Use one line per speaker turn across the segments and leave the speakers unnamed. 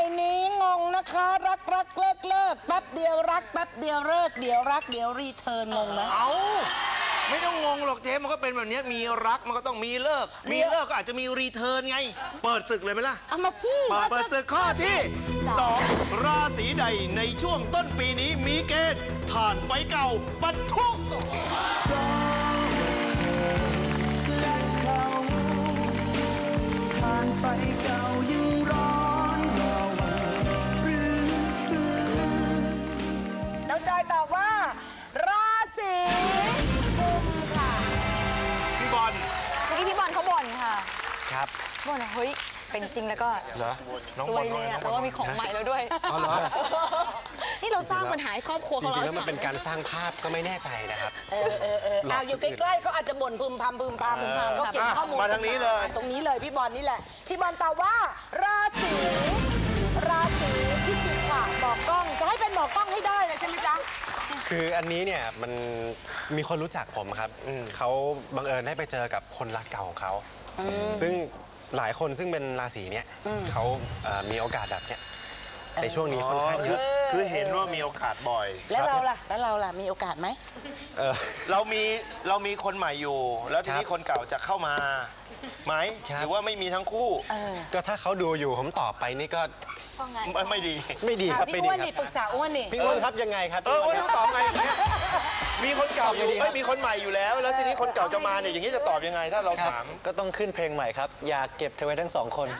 นี้งงนะคะรักเลิกแป๊บเดียวรักแป๊บเดียวเลิกเดี๋ยวรักเดี๋ยวรีเทิร์นงงนะ
เอาไม่ต้องงงหรอกเจ๊มันก็เป็นแบบนี้มีรักมันก็ต้องมีเลิกมีเลิกก็อาจจะมีรีเทิร์นไงเปิดศึกเลยไหมล่ะ
เอามาสิ
เปิดศึกข้อที่2ราศีใดในช่วงต้นปีนี้มีเกณฑ์ถ่านไฟเก่าปะทุ
ถ่านไฟเก่ายังร้อนรอวันหรือฟื้น
น้องจอยตอบว่าราศีกุมค่ะ
พี่บอล
เมื่อกี้พี่บอลเขาบ่นค่ะ
ครับ
บ่นเฮ้ยเป็นจริงแล้วก็
เหรอน้องบอลเลย
แต่ว่ามีของใหม่แล้วด้วย
อ๋อเหรอ
นี่เราสร้างปัญหาให้ครอบครัว
จริงๆแล้วมันเป็นการสร้างภาพก็ไม่แน่ใจนะครับ
เอาอยู่ใกล้ๆก็อาจจะบ่นพึมพำก็เก็บข้อมูล
มาทางนี้เลย
ตรงนี้เลยพี่บอลนี่แหละพี่บอลตอบว่าราศีพิจิกค่ะหมอกล้องจะให้เป็นหมอกล้องให้ได้นะใช่ไหมจ๊ะ
คืออันนี้เนี่ยมันมีคนรู้จักผมครับเขาบังเอิญได้ไปเจอกับคนรักเก่าของเขาซึ่งหลายคนซึ่งเป็นราศีเนี้ยเขามีโอกาสแบบเนี้ยในช่วงนี้ค่อนข้างเยอะ
คือเห็นว่ามีโอกาสบ่อย
แล้วเราล่ะมีโอกาสไหม
เรามีคนใหม่อยู่แล้วทีนี้คนเก่าจะเข้ามาไหมหรือว่าไม่มีทั้งคู่
ก็ถ้าเขาดูอยู่ผมตอบไปนี่ก็
ไม่ดี
ครับ
พี่อ้วนนี่ปรึกษาอ้วนนี่
พี่อ้วนครับยังไงครับ
อ้วนตอบไงมีคนเก่าอยู่ไม่มีคนใหม่อยู่แล้วแล้วทีนี้คนเก่าจะมาเนี่ยอย่างนี้จะตอบยังไงถ้าเราถาม
ก็ต้องขึ้นเพลงใหม่ครับอยากเก็บเธอไว้ทั้ง2 คน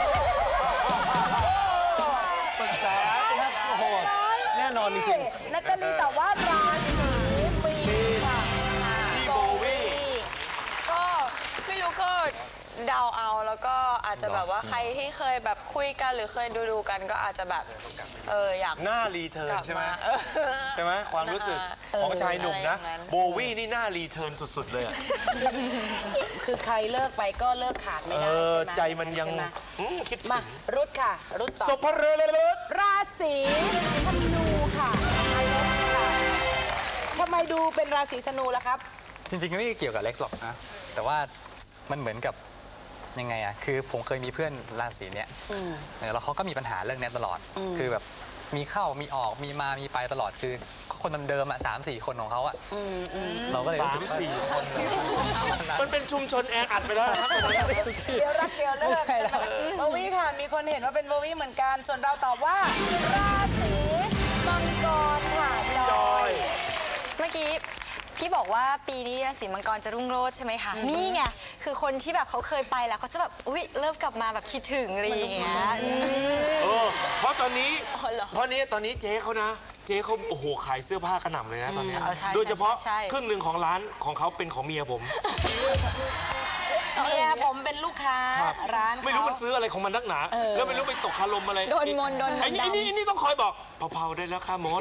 ปรึกษาครับโอ้โหแน่นอนจริง
ๆนัตตาลีตอบว่าราศีมีนค่ะ
พี่โบวี่
ก็ไม่รู้ก็เดาเอาแล้วก็อาจจะแบบว่าใครที่เคยแบบคุยกันหรือเคยดูกันก็อาจจะแบบอยาก
หน้ารีเทิร์นใช่ไหมใช่ไหมความรู้สึกของชายหนุ่มนะโบวี่นี่หน้ารีเทิร์นสุดๆเลย
คือใครเลิกไปก็เลิกขาดไม่ได้
ใจมันยังคิด
มารุดค่ะรุดต่อ
สพเรือเลย
ราศีธนูค่ะอเล็กซ์ค่ะทำไมดูเป็นราศีธนูล่ะครับ
จริงๆไม่เกี่ยวกับเล็กหรอกนะแต่ว่ามันเหมือนกับยังไงอะคือผมเคยมีเพื่อนราศีเนี้ยแล้วเขาก็มีปัญหาเรื่องนี้ตลอดคือแบบมีเข้ามีออกมีมามีไปตลอดคือคนเดิมๆ3-4 คนของเขาอะเราก็เลยรู้สึกว่า
3-4 คนมันเป็นชุมชนแออัดไปแล้วนะครับ
เดี๋ยวรักเดี๋ยวเลิกโบวี่ค่ะมีคนเห็นว่าเป็นโบวี่เหมือนกันส่วนเราตอบว่าราศีมังกรค่ะจอย
เมื่อกี้พี่บอกว่าปีนี้ราศีมังกรจะรุ่งโรจน์ใช่ไหมคะนี่ไงคือคนที่แบบเขาเคยไปแล้วเขาจะแบบอุ๊ยเริ่มกลับมาแบบคิดถึงอะไรอย่างเงี้ย
เพราะตอนนี้เจ๊เขานะเจ๊เขาโอ้โหขายเสื้อผ้ากระหน่ำเลยนะตอนนี้โดยเฉพาะครึ่งหนึ่งของร้านของเขาเป็นของเมียผม
เมียผมเป็นลูกค้าร้าน
ไม่รู้มันซื้ออะไรของมันนักหนาแล้วไม่รู้ไปตกคารมอะไร
โดนมน
ไอ้นี่ต้องคอยบอกเผาๆได้แล้วค่ะมด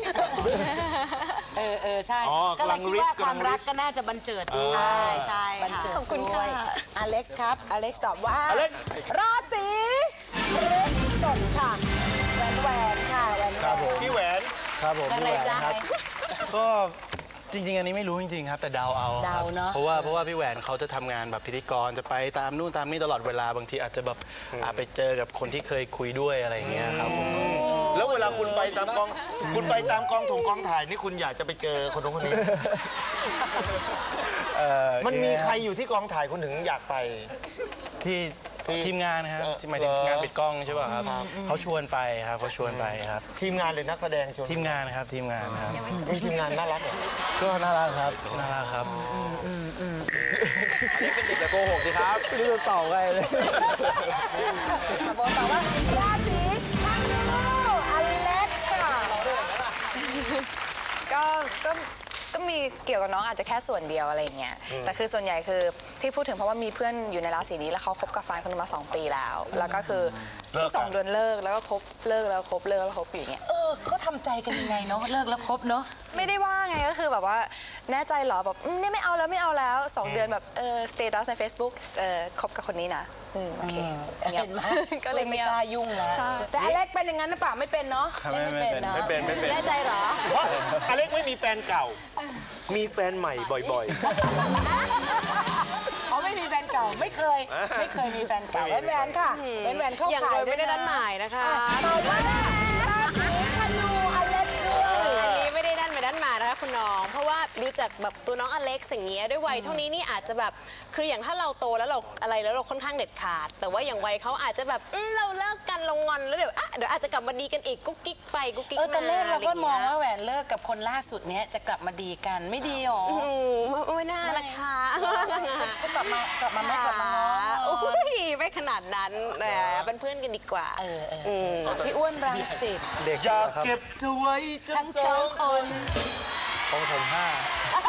ใช่ก็เลยคิดว่าความรักก็น่าจะบันเจิด
ใช่
บันเจิดขอบคุณค่ะอเล็กซ์ครับอเล็กซ์ตอบว่าราศีพฤษภค่ะแหวนค่ะแหวน
พี่แหวน
ครับผม
อะไรจ๊ะ
ก็จริงๆอันนี้ไม่รู้จริงๆครับแต่เดาเอา
เดาเนาะ
เพราะว่าพี่แหวนเขาจะทำงานแบบพิธีกรจะไปตามนู่นตามนี่ตลอดเวลาบางทีอาจจะแบบไปเจอกับคนที่เคยคุยด้วยอะไรอย่างเงี้ยครับ
แล้วเวลาคุณไปตามกองถุงกองถ่ายนี่คุณอยากจะไปเจอคนนู้นคนนี้มันมีใครอยู่ที่กองถ่ายคุณถึงอยากไป
ที่ทีมงานนะครับหมายถึงงานปิดกล้องใช่ป่ะครับเขาชวนไปครับเขาชวนไปครับ
ทีมงานหรือนักแสดงชวน
ทีมงานครับทีมงานครับ
มีทีมงานน่ารักเหรอ
ก็น่ารักครับน่ารักครับ
นี่เป็นเด็กแต่โกหกสิครับ
ไม่รู้จะตอบไงเลย
บอกต่อว่าราศีธนูอเล็กซ์ค่ะ
ก็มีเกี่ยวกับน้องอาจจะแค่ส่วนเดียวอะไรเงี้ยแต่คือส่วนใหญ่คือที่พูดถึงเพราะว่ามีเพื่อนอยู่ในราศีนี้แล้วเขาคบกับแฟนคนนึงมา2 ปีแล้วก็คือ2 เดือนเลิกแล้วก็คบเลิกแล้วคบเลิกแล้วคบอยู่อย่างเงี้ย
ก็ทำใจกันยังไงเนาะเลิกแล้วคบเนาะ
ไม่ได้ว่าไงก็คือแบบว่าแน่ใจเหรอแบบนี่ไม่เอาแล้ว2 เดือนแบบสเตตัสใน Facebook คบกับคนนี้นะโอเค
เห็นไหมก็เลยไม่กล้ายุ่งแล้วแต่อเล็กเป็นอย่างนั้นหรือเปล่าไม่เป็นเนาะไม่เป็นเนาะ
ไม่เป็น
แน่ใจเหรอ
เพราะอเล็กไม่มีแฟนเก่ามีแฟนใหม่บ่อย
ๆเขาไม่มีแฟนเก่าไม่เคยมีแฟนเก่าแหวนค่ะแหวนเข้า
อย่าง
ขา
โด
ย
ยไม่ได้นัดหมายนะคะ
ต่อมาราศีธนูอเล็กซ์ด้วย
อันนี้ไม่ได้นัดหมายนะคะคุณน้อง เพราะว่ารู้จักแบบตัวน้องอเล็กซ์อย่างเงี้ยด้วยวัยเท่านี้นี่อาจจะแบบคืออย่างถ้าเราโตแล้วเราอะไรแล้วเราค่อนข้างเด็ดขาด แต่ว่าอย่างวัยเขาอาจจะแบบเราเลิกกันเรางอนแล้วเดี๋ยวอาจจะกลับมาดีกันอีกกุ๊กกิ๊กไปกุ๊กกิ๊กมา
ตอนแรกเราก็มอง
ะไรย่
ว่าแหวนเลิกกับคนล่าสุดเนี้ยจะกลับมาดีกันไม่ดีหรอ
ไม่น่าละค่ะ
ก็กลับมาไม่กลับมาง้อ
โอ้ยไม่ขนาดนั้นเป็นเพื่อนกันดีกว่า
พี่อ้วนรังสิต
เด็ก
อยาก
ครับ
เก็บเธอไว้ทั้
ทั้
ง
ง
ส
ส
อ
อง ง
ค
คน น
ของผมห้า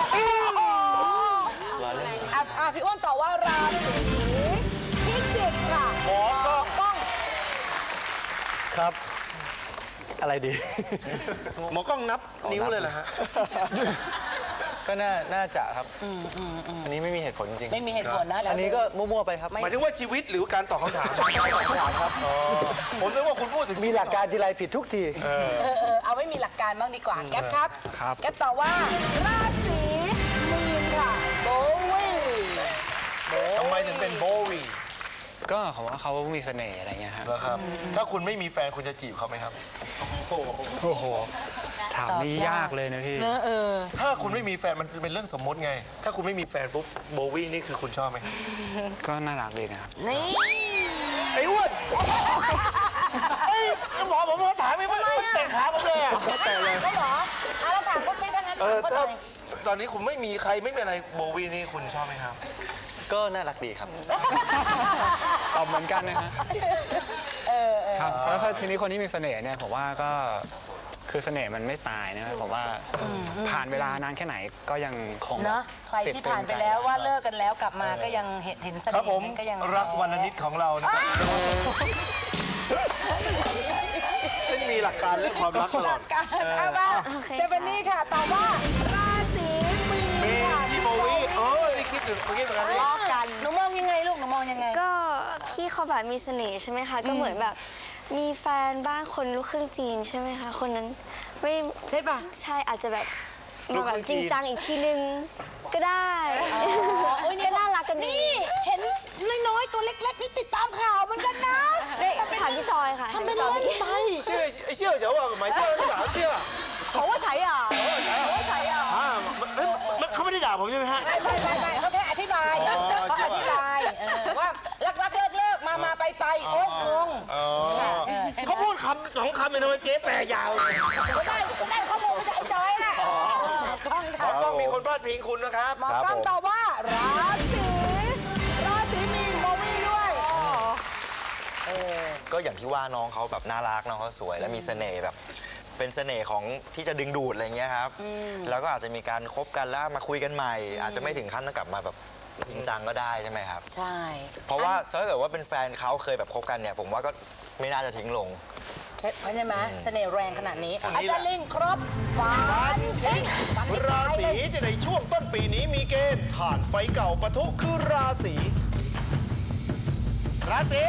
พี่อ้วนตอบว่าราศีพิจิกค่ะ
หมอกล้อง
ครับ อะไรดี
หมอกล้องนับนิ้วเลยเหรอฮะ
ก็น่าจะครับ อันนี้ไม่มีเหตุผลจริง
ไม่มีเหตุผลนะแล้ว
อันนี้ก็มั่วๆไปครับ
หมายถึงว่าชีวิตหรือการตอบคำถาม
ครับ
ผมนึกว่าคุณพูดถึง
มีหลักการทีไรผิดทุกที
เอาไว้มีหลักการบ้างดีกว่า แก๊ปครับ
ครับ
แก๊ปตอบว่าราศีมีนค่ะโบวี่
ทำไมถึงเป็นโบวี
ก็เขาว่าเขามีเสน่ห์อะไรเงี้ยครับ
นะครับ ถ้าคุณไม่มีแฟนคุณจะจีบเขาไหมครับ
โอ้โห ถามนี่ยากเลยนะพี่
ถ้าคุณไม่มีแฟนมันเป็นเรื่องสมมติไง ถ้าคุณไม่มีแฟนปุ๊บโบวีนี่คือคุณชอบไหม
ก็น่ารักดีนะครับ
นี่
ไอ้อ้วนเฮ้ยหมอผมถามไม่ว่าเตะขาผมเลยอะ
แต่เลยก็เหรอเราถามเขาซิถ้างั้นถามเขาห
ถ้า
น่อย
ตอนนี้คุณไม่มีใครไม่เป็นอะไรโบวีนี่คุณชอบไหมครับ
ก็น่ารักดีครับ
ตอบเหมือนกันนะฮะครับแล้วทีนี้คนที่มีเสน่ห์เนี่ยผมว่าก็คือเสน่ห์มันไม่ตายนะครับผมว่าผ่านเวลานานแค่ไหนก็ยังคง
เนาะใครที่ผ่านไปแล้วว่าเลิกกันแล้วกลับมาก็ยังเห็นเส
ครับ
น่
ผ
ห์
ม
นั้นก็ยัง
รักวันละนิดของเรานะครับไม่มีหลักการเรื่องความรักตลอด
การเอาว่าเซเฟนนี่ค่ะตอบว่าราศีมีน
เม
ค่ะ
ย์พี่โบวีนี่คิดถึงเมื่อกี้เหมือนกันนี่
ล้อกันหนูมองยังไงลูกหนูมองยังไง
ก็พี่เขาแบบมีเสน่ห์ใช่ไหมคะ ก็เหมือนแบบมีแฟนบ้างคนลูกครึ่งจีนใช่ไหมคะ คนนั้นไม่
ใช่ปะ
ใช่อาจจะแบบมาแบบจริงจังอีกทีนึงก็ได้ ก็น่ารักกันดี
นี่เห็นน้อยๆตัวเล็กๆนี่ติดตามข่าวเหมือนกันนะ
ได้ถามพี่จอยค่ะ
ทำเป็น
ถาม
เล่น
พี่จ
ไป
อย
เชื่อเฉาว่าหมายเชื่อหนาเชื่อ
เขาว่าใช้อ่ะเขาว่าใช้อ่ะ
เขาไม่ได้ด่าผมใช่ไหมฮะ
ไม่เขาแค่อธิบายเขาอธิบายว่ารักเลิกมาไปโอ๊ยงง
เขาพูดคำสองคำเป็นทำไมเจ๊แปลยาว
ก็ได้ข้อมูลจากไอ้จอยน่ะกล้อง
ขอ
ค่ะ
ต้องมีคนพลาดพิงคุณนะครับ
หมอกล้องตอบว่าราศีมีนโบวี่ด้วย
ก็อย่างที่ว่าน้องเขาแบบน่ารักน้องเขาสวยและมีเสน่ห์แบบเป็นเสน่ห์ของที่จะดึงดูดอะไรเงี้ยครับแล้วก็อาจจะมีการคบกันแล้วมาคุยกันใหม่ อาจจะไม่ถึงขั้นต้องกลับมาแบบจริงจังก็ได้ใช่ไหมครับ
ใช่
เพราะว่าถ้าเกิดว่าเป็นแฟนเขาเคยแบบคบกันเนี่ยผมว่าก็ไม่น่าจะทิ้งลง
ใช่ไหมเสน่ห์แรงขนาดนี้อาจารย์ลิงครบฟันทิ้งฟันทิ้ง
รา
ท้ายเล
ศี
ย
จะในช่วงต้นปีนี้มีเกณฑ์ถ่านไฟเก่าปะทุคือราศีราศี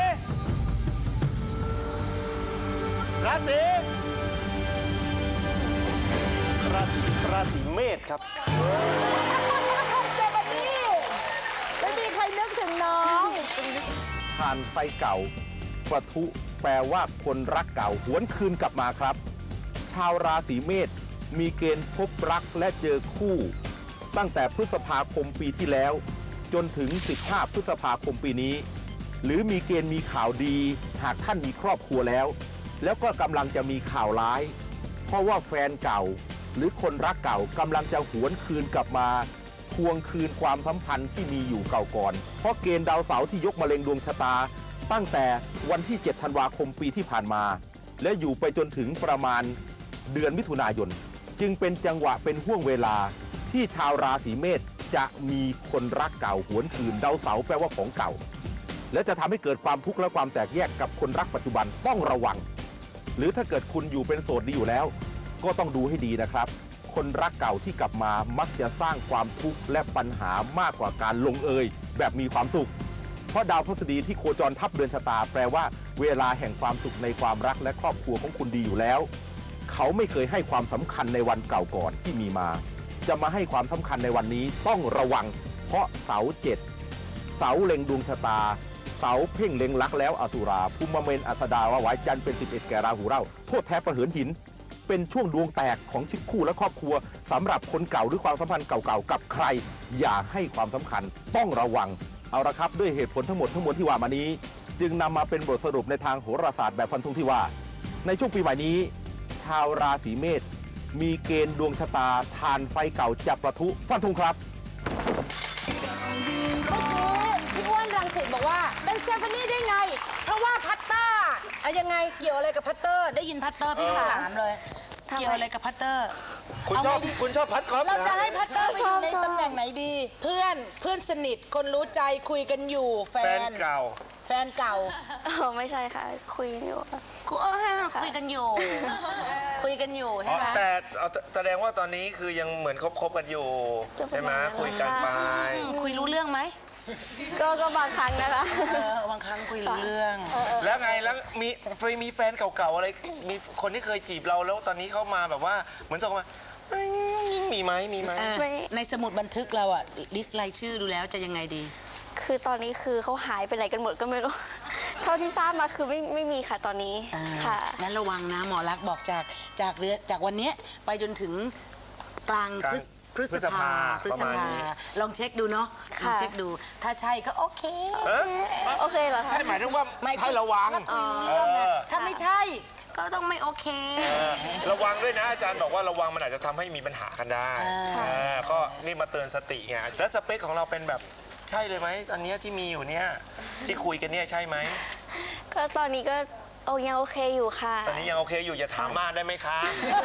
เมษครับ
เซบันนี่ไม่มีใครนึกถึงน้อง
ผ่านไฟเก่าปะทุแปลว่าคนรักเก่าหวนคืนกลับมาครับ ชาวราศีเมษมีเกณฑ์พบรักและเจอคู่ ตั้งแต่พฤษภาคมปีที่แล้ว จนถึง 15 พฤษภาคมปีนี้ หรือมีเกณฑ์มีข่าวดีหากท่านมีครอบครัวแล้ว แล้วก็กำลังจะมีข่าวร้าย เพราะว่าแฟนเก่าหรือคนรักเก่ากำลังจะหวนคืนกลับมาทวงคืนความสัมพันธ์ที่มีอยู่เก่าก่อนเพราะเกณฑ์ดาวเสาร์ที่ยกมะเร็งดวงชะตา ตั้งแต่วันที่ 7 ธันวาคมปีที่ผ่านมา และอยู่ไปจนถึงประมาณเดือนมิถุนายนจึงเป็นจังหวะเป็นห่วงเวลาที่ชาวราศีเมษจะมีคนรักเก่าหวนคืนดาวเสาร์แปลว่าของเก่า และจะทำให้เกิดความทุกข์และความแตกแยกกับคนรักปัจจุบันต้องระวัง หรือถ้าเกิดคุณอยู่เป็นโสดดีอยู่แล้ว ก็ต้องดูให้ดีนะครับ คนรักเก่าที่กลับมามักจะสร้างความทุกข์และปัญหามากกว่าการลงเอยแบบมีความสุข เพราะดาวพฤหัสบดีที่โคจรทับเดือนชะตาแปลว่าเวลาแห่งความสุขในความรักและครอบครัวของคุณดีอยู่แล้ว เขาไม่เคยให้ความสำคัญในวันเก่าก่อนที่มีมา จะมาให้ความสำคัญในวันนี้ต้องระวัง เพราะเสาร์7 เสาเล็งดวงชะตาเสาเพ่งเล็งลักแล้วอสุราภูมิเมนอัสดาวาหวายจันทร์เป็น11แก่ราหูเร่าโทษแท้ประเหินหินเป็นช่วงดวงแตกของชีวิตคู่และครอบครัวสำหรับคนเก่าหรือความสัมพันธ์เก่าๆกับใครอย่าให้ความสำคัญต้องระวังเอาละครับด้วยเหตุผลทั้งหมดที่ว่ามานี้จึงนำมาเป็นบทสรุปในทางโหราศาสตร์แบบฟันธงที่ว่าในช่วงปีใหม่นี้ชาวราศีเมษมีเกณฑ์ดวงชะตาทานไฟเก่าจะประทุฟันธงครับ
พี่อ้วนรังสิตบอกว่าเป็นสเตฟานี่ได้ไงเพราะว่าพัตเตอร์ยังไงเกี่ยวอะไรกับพัตเตอร์ได้ยินพัตเตอร์พี่ถามเลยเกี่ยวอะไรกับพัตเตอร์
คุณชอบพัดกอล์ฟ
เราจะให้พัตเตอร์ไปอยู่ในตำแหน่งไหนดีเพื่อนสนิทคนรู้ใจคุยกันอยู่แฟนเก่า
ไม่ใช่ค่ะคุยกันอยู่
คุยกันอยู่ใช่ไหม
แต่แสดงว่าตอนนี้คือยังเหมือนคบกันอยู่ใช่ไหมคุยกันไป
คุยรู้เรื่องไหม
ก็บางครั้งนะคะ
บางครั้งคุยรู้เรื่อง
แล้วไงแล้วมีแฟนเก่าๆอะไรมีคนที่เคยจีบเราแล้วตอนนี้เขามาแบบว่าเหมือนตกมามีไหมในสมุดบันทึกเราอะลิสต์รายชื่อดูแล้วจะยังไงดี
คือตอนนี้คือเขาหายไปไหนกันหมดก็ไม่รู้เท่าที่ทราบมาคือไม่มีค่ะตอนนี้ค่ะ
นั้นระวังนะหมอรักบอกจากวันนี้ไปจนถึงกลางพฤษภาลองเช็คดูเนาะลองเช็คดูถ้าใช่ก็โอเค
เหรอคะ
ใช่หมายถึงว่าให้ระวัง
ถ้าไม่ใช่ก็ต้องไม่โอเค
ระวังด้วยนะอาจารย์บอกว่าระวังมันอาจจะทำให้มีปัญหากันได้ก็นี่มาเตือนสติไงแล้วสเปคของเราเป็นแบบใช่เลยไหมตอนนี้ที่มีอยู่เนี่ยที่คุยกันเนี่ยใช่ไหม
ก็ตอนนี้ก็ยังโอเคอยู่ค่ะ
ตอนนี้ยังโอเคอยู่อย่าถามมากได้ไหมคะ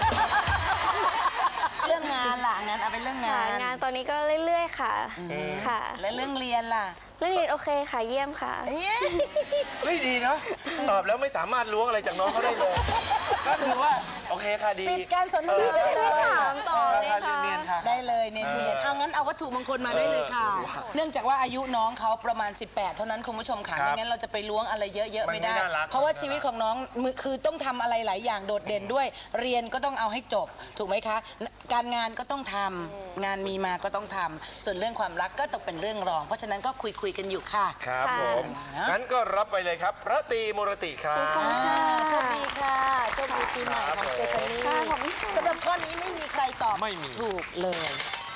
เรื่องงานล่ะงั้นเอาเป็นเรื่อง
งานตอนนี้ก็เรื่อยๆค่ะ
และเรื่องเรียนล่ะ
เรื่องเรียนโอเคค่ะเยี่ยมค่ะ
ไม่ดีเนาะตอบแล้วไม่สามารถล้วงอะไรจากน้องเขาได้เลยก็คือว่าโอเคค่ะดี
ปิดการสนทนาได้เลย
ถามต่อเลยค่ะ
ได้เลยเนียนเอางั้นเอาวัตถุมงคลมาได้เลยค่ะเนื่องจากว่าอายุน้องเขาประมาณ18เท่านั้นคุณผู้ชมค่ะไม่งั้นเราจะไปล้วงอะไรเยอะๆไม่ได้เพราะว่าชีวิตของน้องคือต้องทำอะไรหลายอย่างโดดเด่นด้วยเรียนก็ต้องเอาให้จบถูกไหมคะการงานก็ต้องทำงานมีมาก็ต้องทำส่วนเรื่องความรักก็ตกเป็นเรื่องรองเพราะฉะนั้นก็คุยกันอยู่ค่ะ
ครับผมงั้นก็รับไปเลยครับระตรีมุรติครับ
โชคดีค่ะโชคดีปีใหม่ของสเตฟานี่สำหรับข้อนี้ไม่มีใครตอบถูกเลย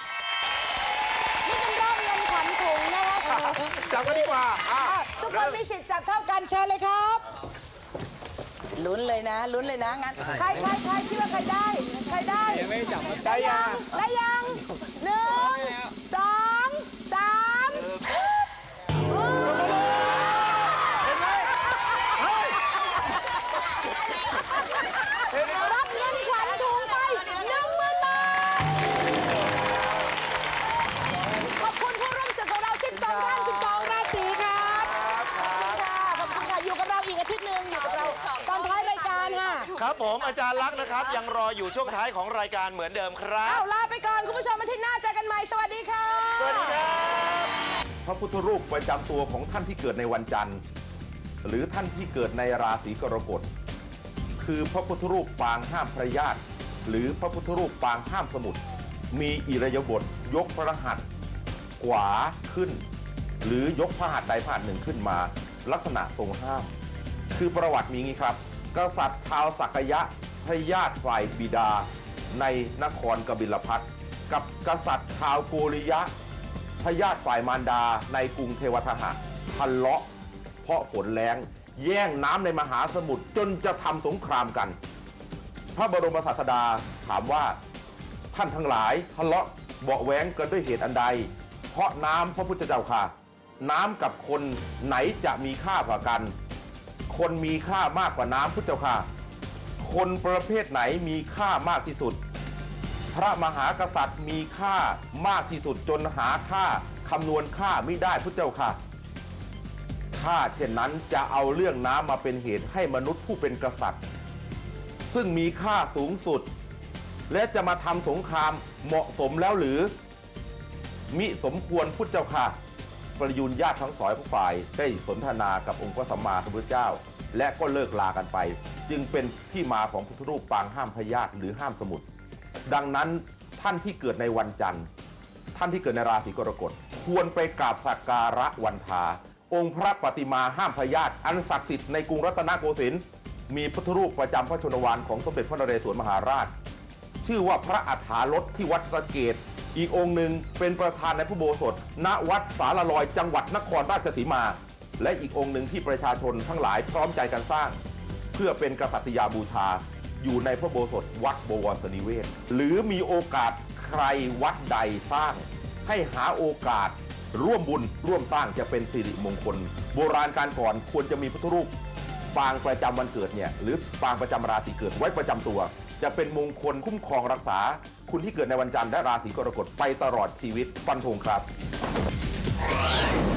นี่เป็นรอบเงินขวัญถุงนะคะ
จับกันดีกว่า
ทุกคนมีสิทธิ์จับเท่ากันเชิญเลยครับลุ้นเลยนะงั้นใครคิดว่าใครได้
ยังไม่จับ
ได้ยัง1 2 3รับเงินขวัญถุงไป10,000 บาทขอบคุณผู้ร่วมศึกของเรา12ท่าน12ราศีครับขอบคุณค่ะอยู่กับเราอีกอาทิตย์นึงอยู่กับเราตอนท้ายรายการค่ะ
ครับผมอาจารย์ลักษณ์นะครับยังรออยู่ช่วงท้ายของรายการเหมือนเดิมครับ
ลาไปก่อนคุณผู้ชมอาทิตย์หน้าเจอกันใหม่สวัสดีค่ะ
สวัสดีครับ
พระพุทธรูปประจำตัวของท่านที่เกิดในวันจันทร์หรือท่านที่เกิดในราศีกรกฎคือพระพุทธรูปปางห้ามพระญาติหรือพระพุทธรูปปางห้ามสมุทรมีอิริยาบถยกพระหัตถ์ขวาขึ้นหรือยกพระหัตถ์ใดพระหัตถ์หนึ่งขึ้นมาลักษณะทรงห้ามคือประวัติมีงี้ครับกษัตริย์ชาวสักยะพระญาติฝ่ายบิดาในนครกบิลพัสต์กับกษัตริย์ชาวโกริยะพระญาติฝ่ายมารดาในกรุงเทวทหะทะเลาะเพราะฝนแล้งแย่งน้ำในมหาสมุทรจนจะทำสงครามกันพระบรมศาสดาถามว่าท่านทั้งหลายทะเลาะเบาะแว้งกันด้วยเหตุอันใดเพราะน้ำพระพุทธเจ้าค่ะน้ำกับคนไหนจะมีค่ากว่ากันคนมีค่ามากกว่าน้ำพุทธเจ้าค่ะคนประเภทไหนมีค่ามากที่สุดพระมหากษัตริย์มีค่ามากที่สุดจนหาค่าคำนวณค่าไม่ได้พุทธเจ้าค่ะถ้าเช่นนั้นจะเอาเรื่องน้ำมาเป็นเหตุให้มนุษย์ผู้เป็นกษัตริย์ซึ่งมีค่าสูงสุดและจะมาทำสงครามเหมาะสมแล้วหรือมิสมควรพุทธเจ้าค่ะประยุรญาติทั้งสองฝ่ายได้สนทนากับองค์พระสัมมาสัมพุทธเจ้าและก็เลิกลากันไปจึงเป็นที่มาของพุทธรูปปางห้ามพยาธิหรือห้ามสมุทรดังนั้นท่านที่เกิดในวันจันทร์ท่านที่เกิดในราศีกรกฎควรไปกราบสักการะวันทาองค์พระปฏิมาห้ามพยาธิอันศักดิ์สิทธิ์ในกรุงรัตนโกสินทร์มีพุทธรูปประจำพระชนวาลของสมเด็จพระนเรศวรมหาราชชื่อว่าพระอัฏฐารถที่วัดสะเกษอีกองค์หนึ่งเป็นประธานในพระอุโบสถณวัดสารลอยจังหวัดนครราชสีมาและอีกองค์หนึ่งที่ประชาชนทั้งหลายพร้อมใจกันสร้างเพื่อเป็นกษัตริยาบูชาอยู่ในพระอุโบสถวัดบวรสนิเวศหรือมีโอกาสใครวัดใดสร้างให้หาโอกาสร่วมบุญร่วมสร้างจะเป็นสิริมงคลโบราณการก่อนควรจะมีพุทธรูปปางประจำวันเกิดเนี่ยหรือปางประจำราศีเกิดไว้ประจำตัวจะเป็นมงคลคุ้มครองรักษาคุณที่เกิดในวันจันทร์และราศีกรกฎไปตลอดชีวิตฟันธงครับ